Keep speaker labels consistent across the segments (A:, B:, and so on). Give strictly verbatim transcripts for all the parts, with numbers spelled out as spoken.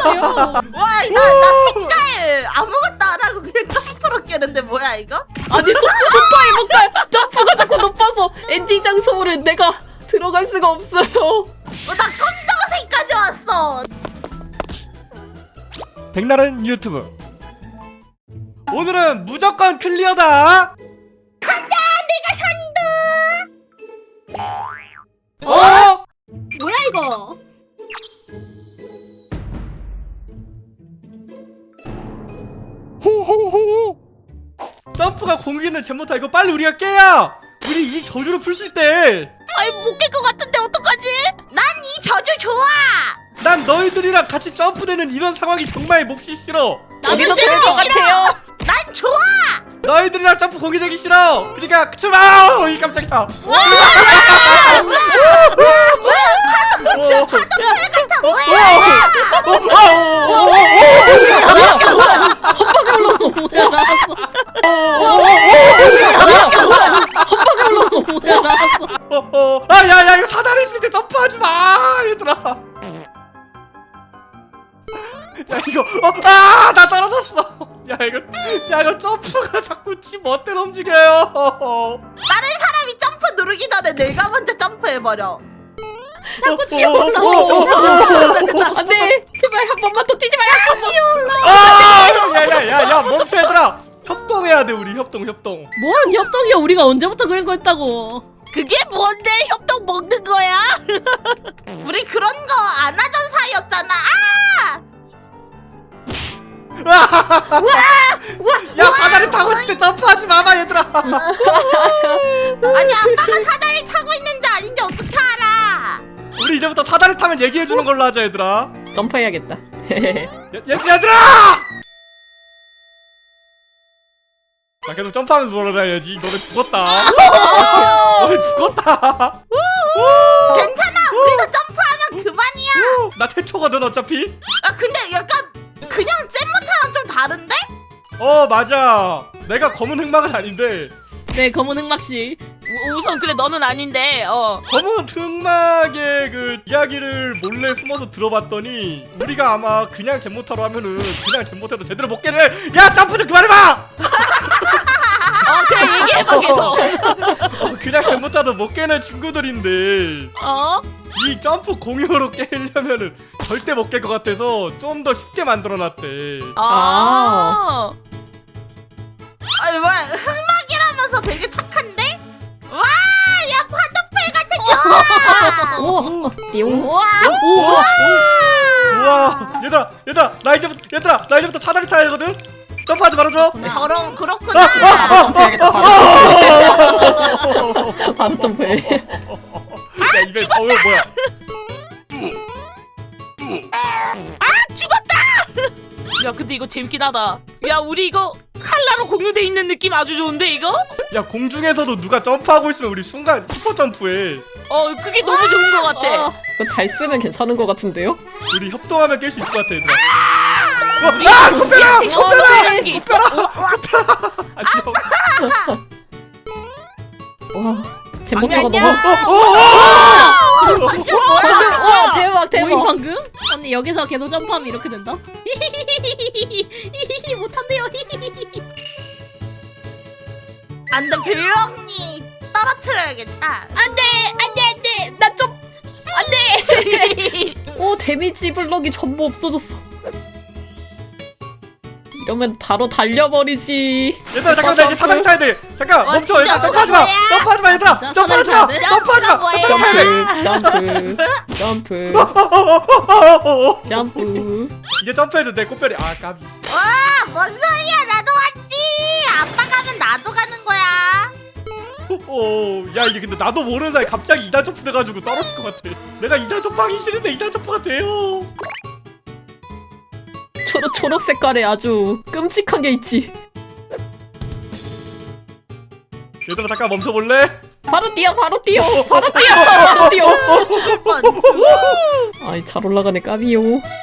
A: 와, 나, 나 색깔 아무것도 안 하고 그냥 점프로 깨는데 뭐야 이거?
B: 아니 소, 소파에 뭔가 점프가 자꾸 높아서 엔딩 장소를 내가 들어갈 수가 없어요.
A: 어, 나 검정색까지 왔어.
C: 백날은 유튜브. 오늘은 무조건 클리어다.
A: 가자, 내가 선두.
C: 어?
A: 뭐야 이거?
C: 점프가 공기는 제모타. 이거 빨리 우리가 깨야 우리 이 저주를 풀 수 있대.
A: 아이 못 깰 것 같은데 어떡하지? 난 이 저주 좋아.
C: 난 너희들이랑 같이 점프되는 이런 상황이 정말 몹시 싫어.
B: 여기도 좋을 것 같아요.
A: 난 좋아.
C: 너희들이랑 점프 공기 되기 싫어. 그러니까 출발! 이 깜짝이야.
A: 진짜 파도풀 같아 뭐야?
B: 한 방에 올랐어. 뭐야 나왔어. 한 방에 올랐어. 뭐야 나왔어.
C: 아, 야, 야, 이거 사다리 있을 때 점프하지 마, 얘들아. 야, 이거, 어, 아, 나 떨어졌어. 야, 이거, 야, 이거 점프가 자꾸 지 멋대로 움직여요.
A: 다른 사람이 점프 누르기 전에 내가 먼저 점프해버려.
B: 자꾸 뛰어올라. 안돼. 제발 한 번만 더 뛰지 마라. 뛰어올라.
C: 아, 야, 야, 야, 야, 멈춰, 얘들아. 협동해야 돼, 우리 협동, 협동.
B: 뭔 협동이야? 우리가 언제부터 그런 거였다고?
A: 그게 뭔데 협동 먹는 거야? 우리 그런 거 안 하던 사이였잖아. 아!
C: 야, 사다리 타고 있을 때 점프하지 마봐, 얘들아.
A: 아니 아빠가 사다리 타고 있는지 아닌지 어떻게 알아?
C: 우리 이제부터 사다리 타면 얘기해주는 걸로 하자, 얘들아.
B: 점프해야겠다.
C: 야, 얘들아! 나 계속 점프하면서 돌아다녀야지. 너네 죽었다. 너네 죽었다.
A: 괜찮아. 우리도 점프하면 그만이야.
C: 나 최초거든 어차피.
A: 아 근데 약간 그냥 잼모타랑 좀 다른데?
C: 어, 맞아. 내가 검은 흑막은 아닌데.
B: 네, 검은 흑막씨.
A: 우선 그래 너는 아닌데. 어.
C: 검은 흑막의 그 이야기를 몰래 숨어서 들어봤더니 우리가 아마 그냥 잼모타로 하면은 그냥 잼모타도 제대로 못 깨네. 야, 점프 좀 그만해봐.
A: 어 그래 얘기해봐 계속.
C: 어, 그냥 잼모타도 못 깨는 친구들인데
A: 어?
C: 이 점프 공유로 깨려면은 절대 못 깰 것 같아서 좀 더 쉽게 만들어놨대.
A: 아. 아니 뭐야 흑막이라면서 되게 착한데? 와, 야 파도풀 같아. 좋아.
B: 오, 띠용. 와,
C: 우와, 우와, 얘들아, 얘들아, 나 이제부터, 얘들아, 나 이제부터 사다리 타야 하거든. 점프하지 말아줘.
A: 저런 그렇구나.
B: 점프해야겠다. 바로, 바로 점프해.
C: 야, 이게 어, 이거 뭐야?
A: 아 죽었다. 야 근데 이거 재밌긴 하다. 야 우리 이거 칼라로 공유돼 있는 느낌 아주 좋은데 이거?
C: 야, 공중에서도 누가 점프하고 있으면 우리 순간 슈퍼 점프해.
A: 어 그게 너무 좋은 것 같아.
B: 어, 이거 잘 쓰면 괜찮은 것 같은데요?
C: 우리 협동하면 깰 수 있을 것 같아, 얘들아. 어, 아, 코페라, 코페라,
A: 게 있어.
C: 안녕.
B: 와, 잼모타가
A: 아니야,
B: 너무.
A: 완전
B: 와,
A: 뭐야?
B: 대박, 대박.
D: 보인 방금? 언니 여기서 계속 점프하면 이렇게 된다? 못한대요.
A: 안돼 배영이 떨어뜨려야겠다.
D: 안돼 안돼 안돼 나 좀 안돼.
B: 오, 데미지 블럭이 전부 없어졌어. 이러면 바로 달려버리지.
C: 얘들아, 잠깐만, 나 이제 사다리 타야 돼. 잠깐,
A: 와,
C: 멈춰,
A: 진짜
C: 얘들아, 점프하지 마.
A: 뭐야?
C: 점프하지 마, 얘들아.
D: 자,
C: 점프하지
D: 사다리
C: 마.
D: 타야 돼?
C: 점프하지 마.
A: 뭐야?
B: 점프, 점프, 점프, 점프.
C: 이제 점프해도 돼, 꽃별이. 아, 까비.
A: 와뭔 소리야? 나도 왔지. 아빠 가면 나도 가는 거야.
C: 어, 야, 이게 근데 나도 모르는 사이에 갑자기 이단 점프 돼가지고 떨어질 것 같아. 내가 이단 점프하기 싫은데 이단 점프가 돼요.
B: 초록, 초록 색깔에 아주 끔찍한 게 있지.
C: 얘들아, 잠깐 멈춰볼래?
B: 바로 뛰어, 바로 뛰어, 바로 뛰어, 바로 뛰어. 아이, 잘 올라가네, 까비요.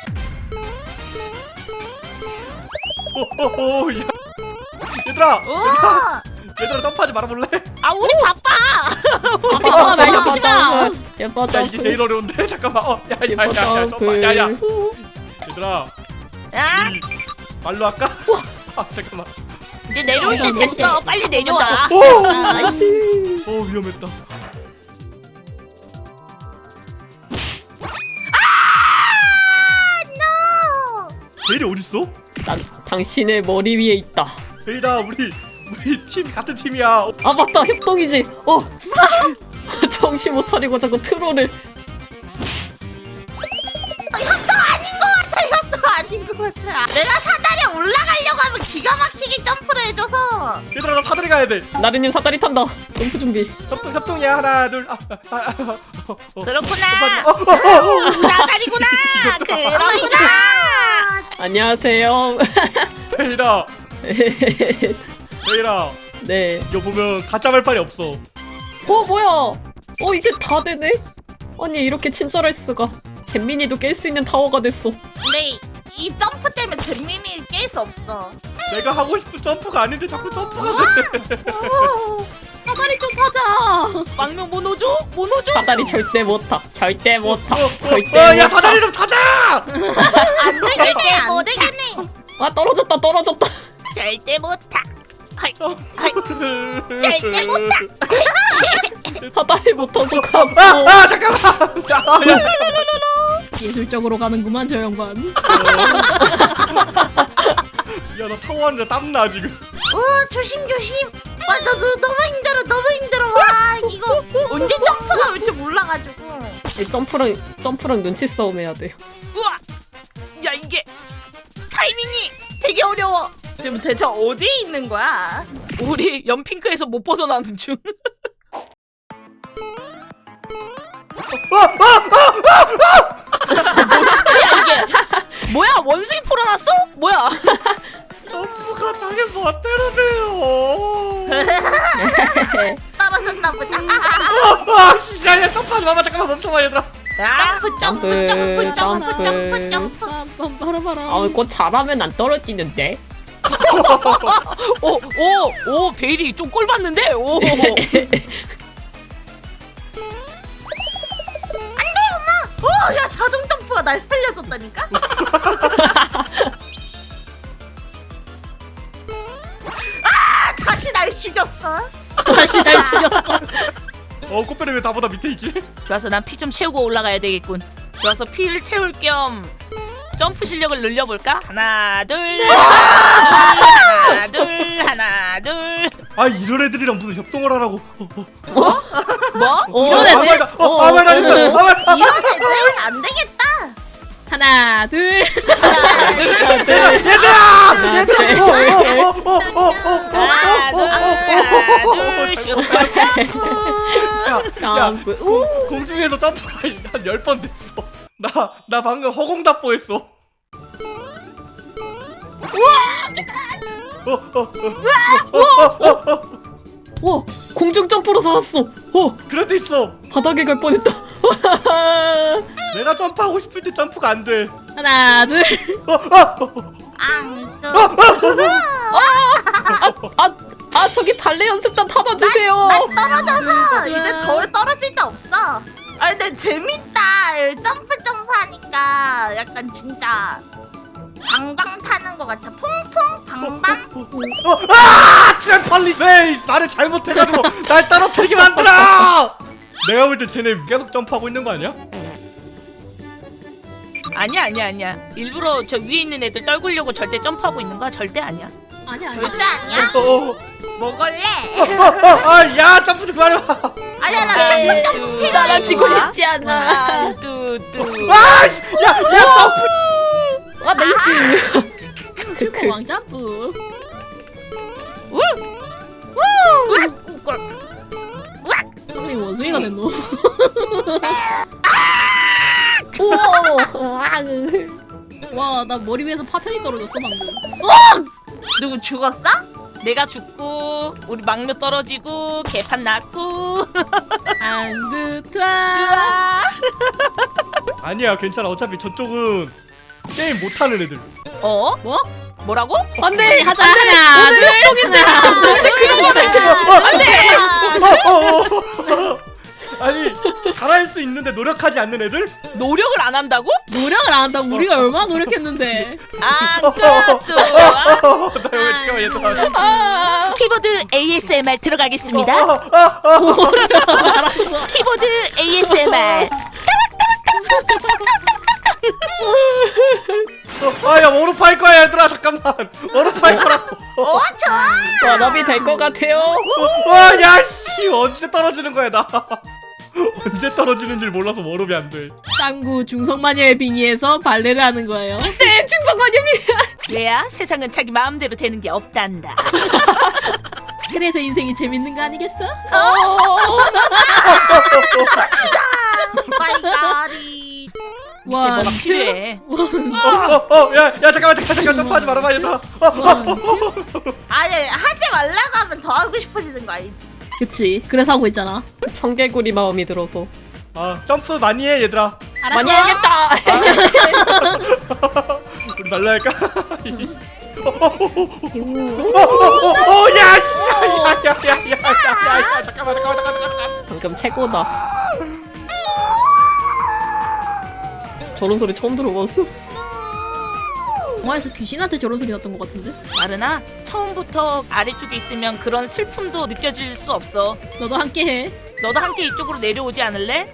C: 오호호, 야. 얘들아,
A: 오.
C: 얘들아, 점프하지 말아볼래?
A: 아 우리 바빠.
D: 아빠 말 시키지 마.
B: 예뻐
C: 야,
B: 점프.
C: 이게 제일 어려운데? 잠깐만. 어, 야, 야,
B: 예뻐
C: 야, 야, 점프.
B: 점프.
C: 야, 야. 얘들아
A: 야
C: 우리 말로 할까? 아 잠깐만.
A: 이제 내려올 때 됐어. 빨리 내려와.
C: 오!
B: 아, 나이스.
C: 어 위험했다. 베일이 어딨어?
B: 난 당신의 머리 위에 있다.
C: 베일아 우리 우리 팀 같은 팀이야. 어,
B: 아 맞다, 협동이지. 어. 정신 못 차리고 자꾸 트롤을.
D: 또 아닌 것 같아. 내가 사다리에 올라가려고 하면 기가 막히게 점프를 해줘서.
C: 얘들아 나 사다리 가야 돼.
B: 나르님 사다리 탄다. 점프 준비.
C: 협동 협동이야 하나 둘. 아, 아, 아, 아, 어, 어.
A: 그렇구나.
C: 어, 어, 어, 어.
A: 사다리구나. 그렇구나.
B: 안녕하세요.
C: 베일아 베일아
B: 네.
C: 이거 보면 가짜 말빨이 없어.
B: 어 뭐야? 어 이제 다 되네? 아니 이렇게 친절할 수가. 잼민이도 깰 수 있는 타워가 됐어.
D: 근데 이 점프 때문에 잼민이 깰 수 없어.
C: 내가 하고 싶은 점프가 아닌데 자꾸 점프가 돼.
B: 사다리 좀 타자.
A: 망명 뭐 넣어줘? 뭐 넣어줘?
B: 사다리 절대 못 타. 절대 못 타.
C: 어, 어,
B: 절대
C: 어,
B: 못
C: 야
B: 타.
C: 사다리 좀 타자.
D: 안 되겠네, 안 되겠네.
B: 아 떨어졌다 떨어졌다.
A: 절대 못 타.
C: 절대
A: 못 타.
B: 사다리 못 타서
C: 아,
B: 갔어.
C: 아 잠깐만. 아, 야,
B: 예술적으로 가는구만 저 양반.
C: 야나 타워 하는데 땀나 지금.
D: 어, 조심 조심. 와, 나, 너, 너무 힘들어, 너무 힘들어. 와, 이거 언제 점프가 올 줄 몰라가지고.
B: 이 점프랑 점프랑 눈치 싸움 해야 돼.
A: 우와. 야 이게 타이밍이 되게 어려워.
D: 지금 대체 어디에 있는 거야?
A: 우리 연핑크에서 못 벗어나는 중. 뭔 소리야 이게? 뭐야 원숭이 풀어놨어? 뭐야?
C: 점프가 자기 멋대로 돼요.
D: 떨어졌나 보다.
C: 아, 야, 야, 점프하지 마봐. 잠깐만 멈춰봐, 얘들아.
A: 아,
D: 점프, 점프, 점프, 점프, 점프, 점프.
B: 아, 곧 잘하면 안 떨어지는데.
A: 오, 오, 오, 베일이 좀 꼴 봤는데? 오.
D: 어, 야, 자동 점프가 날 살려줬다니까? 아, 다시 날 죽였어.
B: 다시 날 죽였어.
C: 어, 꽃배는 왜 나보다 밑에 있지?
A: 좋아서 난 피 좀 채우고 올라가야 되겠군. 좋아서 피를 채울 겸 점프 실력을 늘려볼까? 하나, 둘, 하나, 둘, 하나, 둘.
C: 아, 이런 애들이랑 무슨 협동을 하라고. 어, 어.
A: 뭐?
B: 어,
A: 이런
C: 아,
A: 애들?
C: 말다. 어, 아, 말 잘했어. 아, 말. 아,
D: 이런 애들은 안 되겠다.
B: 하나, 둘.
A: 하나, 둘,
C: 얘들아, 얘들아,
B: 하나, 둘.
C: 얘들아. 어, 어, 어, 어, 어, 어,
A: 하나, 둘,
C: 어, 어,
A: 하나, 둘,
C: 어,
A: 슈퍼 점프.
C: 야, 야,
B: 점프. 우.
C: 공, 공중에서 점프가 한 열 번 됐어. 나, 나 방금 허공답보 했어. 어, 어, 어, 어, 어, 어.
B: 와, 공중 점프로 살았어. 어,
C: 그럴 때 있어.
B: 바닥에 갈 뻔했다.
C: 내가 점프하고 싶을 때 점프가 안 돼.
B: 하나, 둘.
C: 어, 어, 어.
D: 앙, 또.
B: 아, 아 저기 발레 연습단 타다 주세요.
D: 난 떨어져서 이제 더 떨어질 데 없어. 아, 근데 재밌다. 점프 점프 하니까 약간 진짜 방방 타는 것 같아. 퐁퐁 방방.
C: 어, 아! 트램펄린! 왜 나를 잘못해가지고 날 떨어뜨리게 만들어! 내가 볼 때 쟤네 계속 점프하고 있는 거 아니야?
A: 아니야, 아니야, 아니야. 일부러 저 위에 있는 애들 떨구려고 절대 점프하고 있는 거야? 절대 아니야.
B: 아니야,
D: 절대 아니야.
C: 어, 어,
D: 먹을래?
C: 어, 어, 어, 아, 야, 점프 좀 그만해봐.
D: 아니야, 나
A: 네,
D: 점프 점프
A: 두,
D: 필요해.
B: 따라지고
A: 하나,
B: 싶지 않아.
A: 뚜, 뚜.
C: 아, 씨, 야, 야, 점프!
B: 아, 나이스. 크크.
E: 왕점프. 우리 원숭이가 됐노. 와, 나 머리 위에서 파편이 떨어졌어 방금.
D: 누구 죽었어?
A: 내가 죽고 우리 막내 떨어지고 개판 났고.
E: 안드트와.
A: 으아.
C: 아니야, 괜찮아. 어차피 저쪽은 게임 못하는 애들.
A: 어?
E: 뭐?
A: 뭐라고?
B: 안돼,
E: 하자.
B: 오늘
E: 하나,
B: 오늘 협동인데. 근데 그런 거는
C: 어, 어, 어, 어, 어. 아니 잘할 수 있는데 노력하지 않는 애들?
A: 노력을 안 한다고?
E: 노력을 안 한다고 우리가 얼마나 노력했는데.
A: 안 뚜뚜. 아.
C: 어, 나 왜 잠깐만 얘들아.
B: 아,
A: 키보드 에이에스엠알 들어가겠습니다.
C: 어, 어, 어, 어.
A: 키보드 에이에스엠알.
C: 아야 워룹 할 거야 얘들아 잠깐만. 워룹 할 거라고.
D: 어 좋아.
B: 워업이 될 것 같아요.
C: 와야씨 언제 떨어지는 거야 나. 언제 떨어지는 줄 몰라서 워룹이 안 돼.
E: 짱구 중성마녀의 빙의에서 발레를 하는 거예요.
B: 네, 중성관념이.
A: 얘야 세상은 자기 마음대로 되는 게 없단다.
E: 그래서 인생이 재밌는 거 아니겠어?
B: 어.
D: 마이가리.
A: 밑에 뭐가
E: 원,
A: 필요해.
C: 어어야 야 잠깐만 잠깐 잠깐 점프하지 말아봐 얘들아. 어, 어, 어, 어.
D: 아니 하지 말라고 하면 더 하고 싶어지는 거 아니지?
E: 그치. 그래서 하고 있잖아.
B: 청개구리 마음이 들어서
C: 아 점프 많이 해 얘들아.
E: 알았어.
B: 많이 해야겠다.
C: 우리 말라 할까? 어야야야야야야야 잠깐만 잠깐만 잠깐만 잠깐만.
B: 방금 최고다. 저런 소리 처음 들어봤어.
E: 영화에서 귀신한테 저런 소리 났던 것 같은데?
A: 마르나 처음부터 아래쪽에 있으면 그런 슬픔도 느껴질 수 없어.
E: 너도 함께 해.
A: 너도 함께 이쪽으로 내려오지 않을래?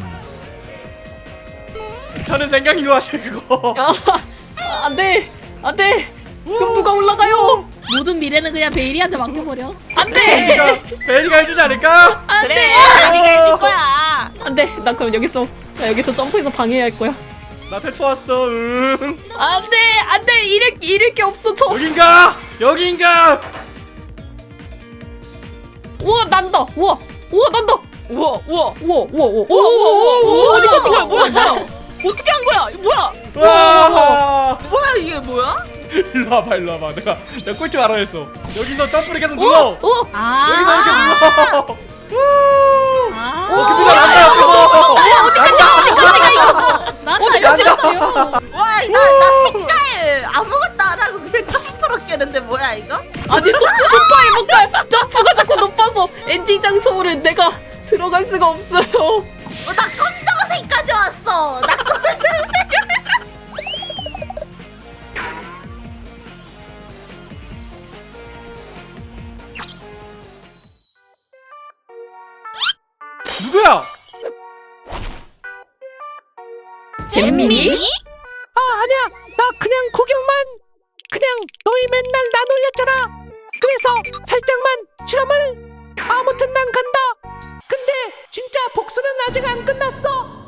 C: 괜찮은 생각인 것 같아 그거.
B: 아, 안돼, 안돼. 그럼 누가 올라가요?
E: 모든 미래는 그냥 베일이한테 맡겨버려.
B: 안돼,
C: 베리가 베리가 해주지 않을까?
A: 그래,
B: 안돼,
A: 우리가 해줄 거야.
B: 안돼. 나 그럼 여기서 나 여기서 점프해서 방해해야 할 거야.
C: 나 탈출 왔어. 응.
B: 안돼, 안돼. 잃을 잃을 게 없어. 저.
C: 여긴가? 여긴가?
B: 우와 난다. 우와, 우와 난다.
A: 우와, 우와,
B: 우와, 우와, 우와,
A: 우와, 우와, 우와, 우와,
B: 어디까지 가?
A: 뭐야, 뭐야? 어떻게 한 거야? 이거 뭐야?
C: 와.
A: 뭐야 이게 뭐야?
C: 일로 와봐 일로 와봐. 내가 내가 꼴찌 알아 했어. 여기서 점프를 계속
B: 오,
C: 눌러.
B: 오.
C: 여기서 이렇게
E: 아.
C: 눌러. 우!
E: 아.
C: 어, 금이가 난다 여기서.
B: 어디까지 가 이거?
E: 나
B: 어디까지 가?
D: 와, 나, 나 색깔 아무것도 안 하고 그냥 점프로 깨는데 뭐야 이거?
B: 아니 소, 소파에 못 가. 점프가 자꾸 높아서 엔딩 장소를 내가 들어갈 수가 없어요.
D: 어, 나 검정색까지 왔어. 나 검정색.
C: 누구야?
B: 잼민이?
F: 아 아니야 나 그냥 구경만 그냥 너희 맨날 나 놀렸잖아 그래서 살짝만 실험을 아무튼 난 간다 근데 진짜 복수는 아직 안 끝났어